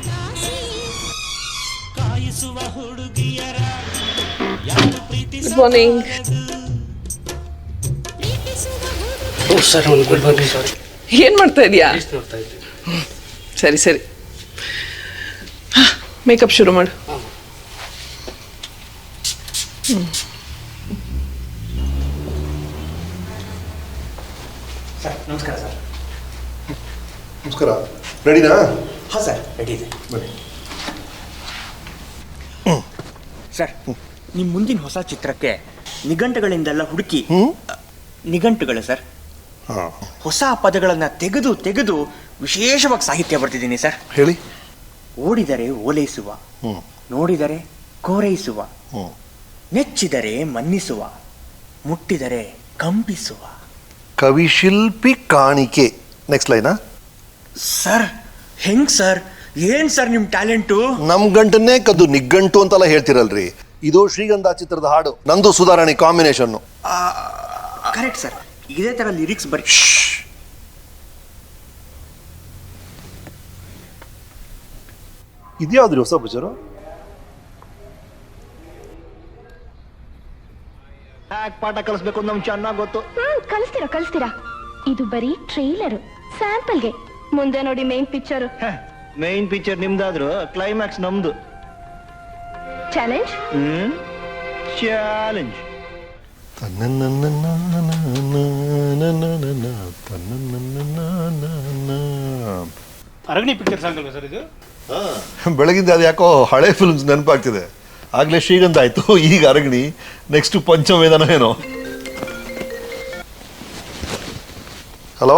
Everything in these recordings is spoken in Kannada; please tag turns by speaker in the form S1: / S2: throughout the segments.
S1: Good morning.
S2: ಸರ್ ಒಂದು ಗುಡ್ ಮಾರ್ನಿಂಗ್. ಸಾರಿ,
S1: ಏನು ಮಾಡ್ತಾ ಇದೀಯಾ? ಸರಿ ಸರಿ, ಮೇಕಪ್ ಶುರು ಮಾಡು.
S2: ಸರ್ ನಮಸ್ಕಾರ. ಸರ್
S3: ನಮಸ್ಕಾರ. ರೆಡಿನಾ?
S2: ಹಾಂ ಸರ್, ರೆಡಿ ಇದೆ.
S3: ಬನ್ನಿ.
S2: ಸರ್, ನಿಮ್ಮ ಮುಂದಿನ ಹೊಸ ಚಿತ್ರಕ್ಕೆ ನಿಘಂಟುಗಳಿಂದೆಲ್ಲ ಹುಡುಕಿ, ನಿಘಂಟುಗಳು ಸರ್,
S3: ಹಾಂ,
S2: ಹೊಸ ಪದಗಳನ್ನು ತೆಗೆದು ತೆಗೆದು ವಿಶೇಷವಾಗಿ ಸಾಹಿತ್ಯ ಬರ್ತಿದ್ದೀನಿ ಸರ್.
S3: ಹೇಳಿ.
S2: ಓಡಿದರೆ ಓಲೈಸುವ, ನೋಡಿದರೆ ಕೋರೈಸುವ, ನೆಚ್ಚಿದರೆ ಮನ್ನಿಸುವ, ಮುಟ್ಟಿದರೆ ಕಂಪಿಸುವ.
S3: ಕವಿಶಿಲ್ಪಿ ಕಾಣಿಕೆ. ನೆಕ್ಸ್ಟ್ ಲೈನಾ?
S2: ಸರ್ ಹೆಂಗ್ ಸರ್, ಏನ್ ಸರ್ ನಿಮ್ಮ ಟ್ಯಾಲೆಂಟು?
S3: ನಮ್ ಗಂಟನ್ನೇ ಕದ್ದು ನಿಘಂಟು ಅಂತೆಲ್ಲ ಹೇಳ್ತಿರಲ್ರಿ. ಇದು ಶ್ರೀಗಂಧ ಚಿತ್ರದ ಹಾಡು, ನಂದು ಸುಧಾರಾಣಿ ಕಾಂಬಿನೇಷನ್.
S2: ಕರೆಕ್ಟ್ ಸರ್, ಇದೇ ತರ ಲಿರಿಕ್ಸ್ ಬರೀ.
S3: ಇದ್ಯಾವ್ದ್ರಿ ಹೊಸ ಪಿಕ್ಚರು?
S2: ಪಾಠ ಕಲಿಸ್ಬೇಕು ಅಂತ ನಮ್ಗೆ ಚೆನ್ನಾಗಿ ಗೊತ್ತು.
S4: ಕಳಿಸ್ತೀರಾ. ಇದು ಬರೀ ಟ್ರೈಲರ್, ಸ್ಯಾಂಪಲ್ಗೆ. ಮುಂದೆ ನೋಡಿ ಮೇನ್ ಪಿಕ್ಚರ್.
S2: ಮೈನ್ ಪಿಕ್ಚರ್ ನಿಮ್ದಾದ್ರು ಕ್ಲೈಮ್ಯಾಕ್ಸ್ ನಮ್ದು.
S4: Challenge.
S2: Challenge.
S5: Aragini picture song ಅಲ್ವಾ ಸರ್ ಇದು?
S3: ಬೆಳಗಿಂದ ಅದು ಯಾಕೋ ಹಳೆ ಫಿಲ್ಮ್ಸ್ ನೆನಪಾಗ್ತಿದೆ. ಆಗ್ಲೇ ಶ್ರೀಗಂಧ ಆಯ್ತು, ಈಗ ಅರಗಣಿ, ನೆಕ್ಸ್ಟ್ ಪಂಚವೇದನ ಏನೋ. Hello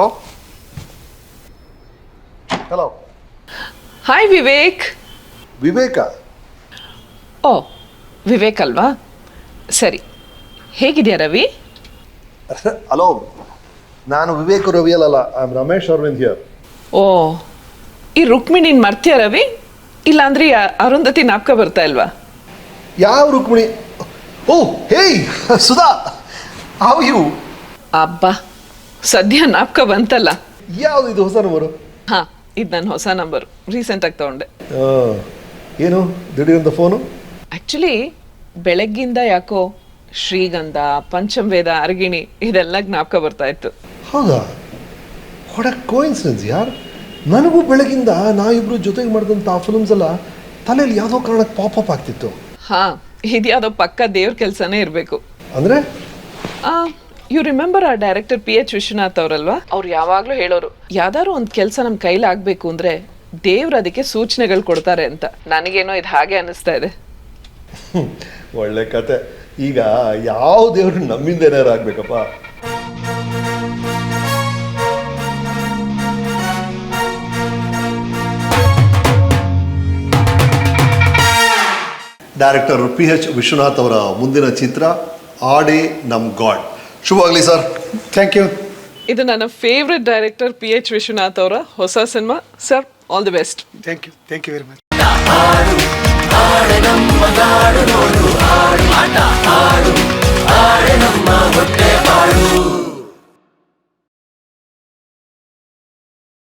S3: hello.
S1: Hi Vivek.
S3: Vivek?
S1: ಓ, ವಿವೇಕ್ ಅಲ್ವಾ? ಸರಿ, ಹೇಗಿದೆಯಾ ರವಿ?
S3: ಹಲೋ, ನಾನು ವಿವೇಕ್ ರವಿ ಅಲ್ಲ, I am Ramesh Arvind here.
S1: ಓ, ಈ ರುಕ್ಮಿಣಿನ್ ಮರ್ತ್ಯಾ ರವಿ? ಇಲ್ಲಾಂದ್ರೆ ಅರುಂಧತಿ ನಾಪ್ಕ ಬರ್ತಾ ಇಲ್ವಾ?
S3: ಯಾವ ರುಕ್ಮಿಣಿ? ಓ ಹೇಯ್ ಸುಧಾ, ಹೌ ಯು?
S1: ಅಬ್ಬಾ, ಸದ್ಯ ನಾಪ್ಕ ಬಂತಲ್ಲ.
S3: ಯಾವ್ದು ಇದು ಹೊಸ ನಂಬರು?
S1: ಹಾ, ಇದು ನನ್ನ ಹೊಸ ನಂಬರು, ರೀಸೆಂಟಾಗಿ ತಗೊಂಡೆ.
S3: ಏನು ದಿಢೀರಂತ ಫೋನು?
S1: ಆ್ಯಕ್ಚುಲಿ ಬೆಳಗ್ಗಿಂದ ಯಾಕೋ ಶ್ರೀಗಂಧ, ಪಂಚಮವೇದ, ಅರಗಿಣಿ ಇದೆಲ್ಲ ಜ್ಞಾಪಕ ಬರ್ತಾ ಇತ್ತು.
S3: ಹೌದಾ? ವಾಟ್ ಅ ಕೋಇನ್ಸಿಡೆನ್ಸ್ ಯಾರ್. ನನಗೂ ಬೆಳಗಿಂದ ನಾವಿಬ್ರು ಜೊತೆಗೆ ಮಾಡಿದಂಥ ಆ ಫಿಲ್ಮ್ಸ್ ಎಲ್ಲ ತಲೆಯಲ್ಲಿ ಯಾವುದೋ ಕಾರಣಕ್ಕೆ ಪಾಪಪ್ ಆಗ್ತಿತ್ತು.
S1: ಹಾ, ಇದ್ಯಾವುದೋ ಪಕ್ಕ ದೇವ್ರ ಕೆಲಸನೇ ಇರಬೇಕು.
S3: ಅಂದರೆ
S1: ಯು ರಿಮೆಂಬರ್ ಆ ಡೈರೆಕ್ಟರ್ PH ವಿಶ್ವನಾಥ್ ಅವರಲ್ವಾ? ಅವ್ರು ಯಾವಾಗಲೂ ಹೇಳೋರು, ಯಾವ್ದಾದ್ರು ಒಂದು ಕೆಲಸ ನಮ್ಮ ಕೈಲಿ ಆಗಬೇಕು ಅಂದರೆ ದೇವ್ರು ಅದಕ್ಕೆ ಸೂಚನೆಗಳು ಕೊಡ್ತಾರೆ ಅಂತ. ನನಗೇನೋ ಇದು ಹಾಗೆ ಅನ್ನಿಸ್ತಾ ಇದೆ.
S3: ಒಳ್ಳೆ ಕತೆ. ಈಗ ಯಾವ ದೇವ್ರು ನಮ್ಮಿಂದ ಏನಾರು ಆಗ್ಬೇಕಪ್ಪ. ಡೈರೆಕ್ಟರ್ PH ವಿಶ್ವನಾಥ್ ಅವರ ಮುಂದಿನ ಚಿತ್ರ ಆಡೆ ನಮ್ ಗಾಡ್. ಶುಭವಾಗಲಿ ಸರ್.
S5: Thank you.
S1: ಇದು ನನ್ನ ಫೇವ್ರೆಟ್ ಡೈರೆಕ್ಟರ್ PH ವಿಶ್ವನಾಥ್ ಅವರ ಹೊಸ cinema. Sir, all the best.
S5: Thank you very much.
S6: ಆಡೆ ನಮ್ಮ ಹೊಟ್ಟೆ ಬಾಳು.